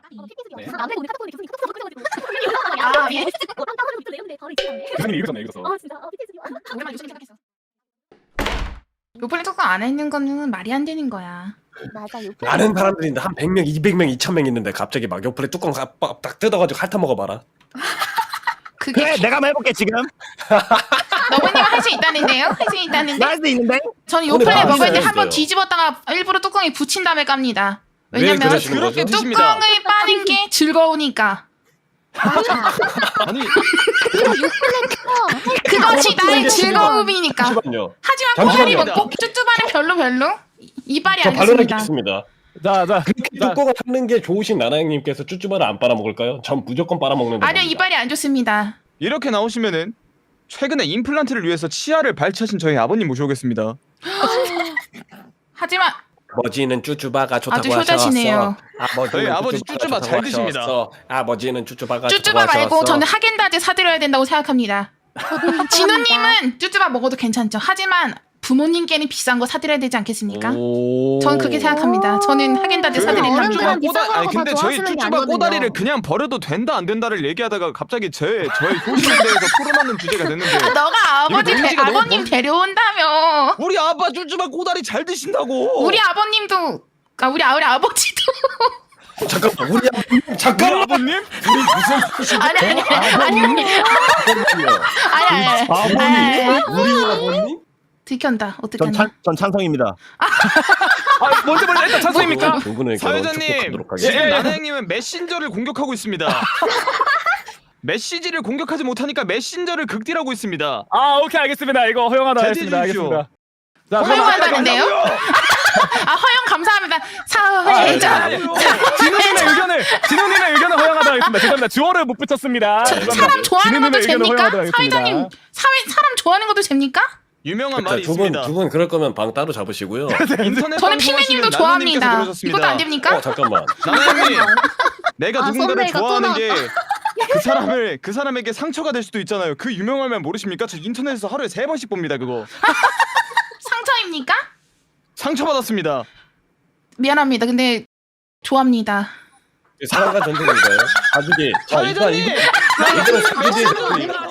네. 남들 오늘 카톡 교수님 카톡 바꿔가지고 아 예. 딴딴 하는 것도 내용인데 바로 있었네. 교수님 읽었네 읽었어. 아 진짜 PTSD. 오랜만에 교수님 생각했어. 요플레 특강 안 했는 거는 말이 안 되는 거야. 맞아 요. 아는 사람들인데 한 100명, 200명, 2000명 있는데 갑자기 막 요플레 뚜껑 딱 뜯어가지고 핥아 먹어봐라. 그게 그래 내가 한번 해볼게 지금. 너구님 할 수 있다는데요? 할 수 있다는데? 나 할 수 있는데. 저는 오늘 요플레 먹을 때 맛있어요, 한번 있어요. 뒤집었다가 일부러 뚜껑에 붙인 다음에 깝니다. 왜 왜냐면 그러시는 거죠? 그렇게 드십니다. 뚜껑을 빠는 게 즐거우니까. 아니 그것이 나의 게 즐거움이니까. 잠시만요. 하지만 잠시만요. 꼬다리 먹고 쭈쭈바는 별로 이빨이 저 안 반론할 게 좋습니다. 있습니다. 자 그렇게 뚜껑을 핥는 게 좋으신 나나형님께서 쭈쭈바를 안 빨아먹을까요? 전 무조건 빨아먹는다. 아니요 이빨이 안 좋습니다. 이렇게 나오시면은 최근에 임플란트를 위해서 치아를 발치하신 저희 아버님 모셔오겠습니다. 하지만 아버지는 쭈쭈바가 좋다고 아주 효자시네요. 저희 아버지 쭈쭈바 잘 드십니다. 아버지는 쭈쭈바가 쭈쭈바 말고 저는 하겐다즈 사드려야 된다고 생각합니다. 진우님은 쭈쭈바 먹어도 괜찮죠. 하지만 부모님께는 비싼 거 사드려야 되지 않겠습니까? 저는 그렇게 생각합니다. 저는 하겐다즈 사드린답니다. 어른들은 비싼 아니 거라고 근데 다 저희 좋아하시는 게 쭈쭈바 아니거든요. 꼬다리를 그냥 버려도 된다 안 된다를 얘기하다가 갑자기 저희 효심에 대해서 풀어놓는 주제가 됐는데 너가 아버지 이거 논지가 너무 아버님 데려온다며. 우리 아빠 쭈쭈바 꼬다리 잘 드신다고. 우리 아버님도 우리 아버지도 잠깐만 우리 잠깐만 아버님? 아니 우리 아버님? 들켰다. 어떻게 하냐? 전 찬성입니다. 먼저 일단 찬성입니까? 두 분의 결혼 사회자님 축복하도록 지금 하겠습니다. 나나형님은 메신저를 공격하고 있습니다. 메시지를 공격하지 못하니까 메신저를 극딜하고 있습니다. 아 오케이 알겠습니다. 이거 허용하다 제지해 하겠습니다. 주십시오. 알겠습니다. 자, 허용한다는데요? 허용 감사합니다. 사회자. 진우님의 의견을 허용하도록 하겠습니다. 죄송합니다. 주어를 못 붙였습니다. 사람 좋아하는 것도 진우님의 의견을 됩니까? 허용하도록 하겠습니다. 사회자님 사람 좋아하는 것도 됩니까? 유명한 말이 있습니다. 두분 그럴 거면 방 따로 잡으시고요. 인터넷 저는 방송하시는 피메님도 나나님께서 좋아합니다. 그러셨습니다. 이것도 안 됩니까? 잠깐만. 나나형님, 내가 아, 누군가를 썸네일가 또 좋아하는 게 그 사람에게 상처가 될 수도 있잖아요. 그 유명한 말 모르십니까? 저 인터넷에서 하루에 3번씩 봅니다. 그거 상처입니까? 상처받았습니다. 미안합니다. 근데 좋아합니다. 사랑과 전쟁인가요? 가족이. 자, 일단 사회자님! 이거 사기에